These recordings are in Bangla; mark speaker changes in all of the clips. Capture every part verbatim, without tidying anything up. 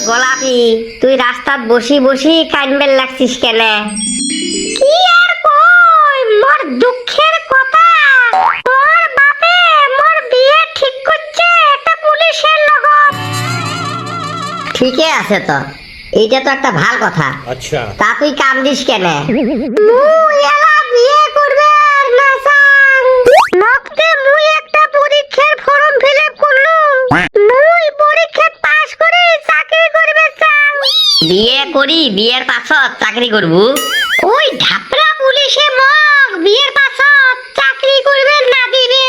Speaker 1: গোলাপি, তুই রাস্তাত বসি বসি কানবেল লাগছিস কেন? কি আর কই, মোর দুঃখের কথা। মোর বাপে মোর বিয়ে ঠিক করছে একটা পুলিশের লগত। ঠিকই আছে তো, এইটা তো একটা ভাল কথা।
Speaker 2: আচ্ছা,
Speaker 1: তা তুই কান্দিস কেন? মুই এলা বিয়ে করবে আর না চাং। নকতে মুই একটা পরীক্ষার ফর্ম ফিল আপ করলুম। মুই পরীক্ষা পাস করে চাকরি করবে চাং। বিয়ে করি, বিয়ের পাছত চাকরি করব? ওই ঢাপরা পুলিশে মগ বিয়ের পাছত চাকরি করবে না দিবে।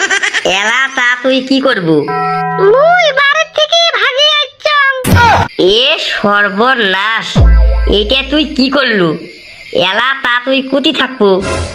Speaker 1: এলা তা তুই কি করব? মুই বাড়ি থেকে ভাগি আইছং। এ সর্বনাশ, এটা তুই কি করলু? এলা তা তুই কুতি থাকবো?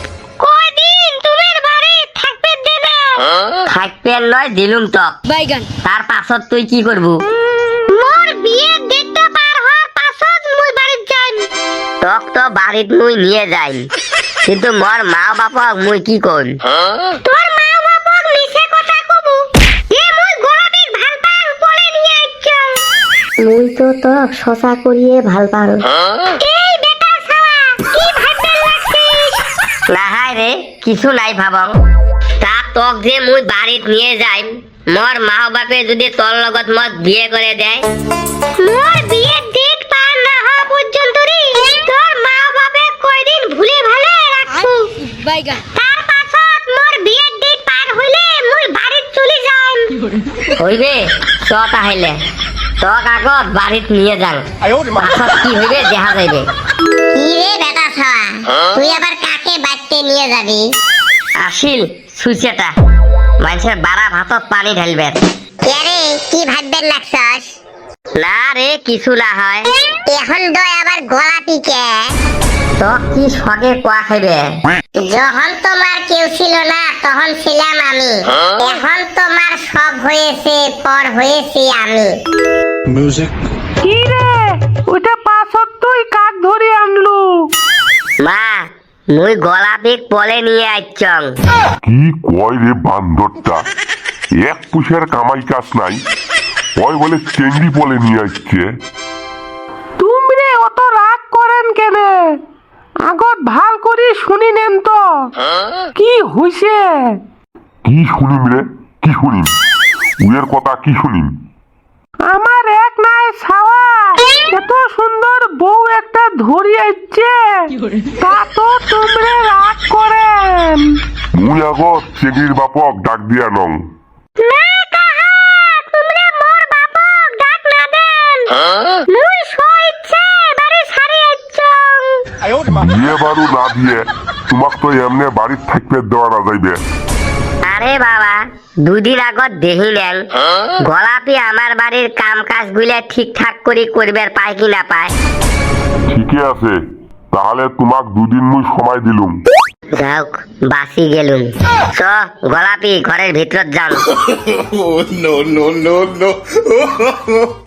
Speaker 1: কয়দিন তোমার বাড়ি থাকবে দে না। থাকবে লয় দিলুম তো বাইগান। তার পাছত তুই কি করব? মোর বিয়ের ডেটটা পার হওয়ার পাছত মুই বাড়ি যাইম। তক তো বাড়িত মুই নিয়ে যাইম, কিন্তু মোর মা বাপক মুই কি কইম? তোর মা বাপক মিছে কথা কবু যে মুই গোলাপীক ভাল পাং বলে নিয়ে আইছং। মুই তো তক সচা করিয়ে ভাল পাং। এই বেটা ছাওয়া, কি ভাবতে লাগছিস? না হায় রে, কিছু নাই ভাবং। তা তক যে মুই বাড়িত নিয়ে যাইম, মোর মা বাপে যদি তোর লগত মত বিয়ে করে দেয়, মোর বিয়ের ডেট পার না হওয়া পর্যন্ত রে তোর মা বাপে কয়দিন ভুলে ভালে রাখবো বাইগা। তার পাছত মোর বিয়ের ডেট পার হইলে মুই বাড়িত চলে যাইম। হইবে চ তাহলে তক আগত বাড়িত নিয়ে যাং, পাছত কি হইবে দেখা যাইবে। কি রে বেটা ছাওয়া, তুই আবার কাকে বাড়িতে নিয়ে যাবি? আসিল সুইচেটা মানুষের বাড়া ভাতত পানি ঢালবে। কে রে, কি ভাববেন লাগছস? না রে, কিছু না হয়। এখন দয় আবার গোলাপি কে? তো কি সগে কোয়া খাইবে? যখন তোমার কেউ ছিল না তখন ছিলাম আমি, এখন তোমার সব হয়েছে, পর হয়েছি আমি।
Speaker 2: মিউজিক।
Speaker 3: কি রে, ওটা পাছত তুই কাক ধরে আনলু?
Speaker 1: মা, মুই গোলাপিক পলে নিয়ে আইছং।
Speaker 4: কি কয় রে বান্দরটা, এক পুষের কামাই কাজ নাই, কয় বলে চেংড়ি পলে নিয়ে আসছে।
Speaker 3: তুমরে অত রাগ করেন কেন? আগত ভাল করে শুনি নেন তো কি হইছে।
Speaker 4: কি শুনিম রে, কি শুনিম? উয়ের কথা কি শুনিম?
Speaker 3: আমার এক নাই ছাওয়া এত সুন্দর বউ একটা ধরি আইছে, তা তো তোমরে রাগ করেন।
Speaker 4: মুই আগত চেংড়ির বাপক ডাক দিয়া নং।
Speaker 1: না কাহা, তোমরা মোর বাপক ডাক না দেন। মুই সইছে বাড়ি ছাড়ি আইছং।
Speaker 4: বিয়ে বারু না দিয়ে তোমাক তো এমনে বাড়ির থাকতে দেওয়া না যাইবে।
Speaker 1: আরে বাবা, দুদিন আগত দেখিলেন গোলাপি আমার বাড়ির কাম কাজ গুলা ঠিকঠাক করে করবে পায় কি না পায়।
Speaker 4: ঠিকই আছে, তাহলে তোমাক দুদিন মুই সময় দিলুম।
Speaker 1: যাওক, বাসি গেলুম। চ গোলাপি ঘরের ভিতর যান।
Speaker 2: No no no no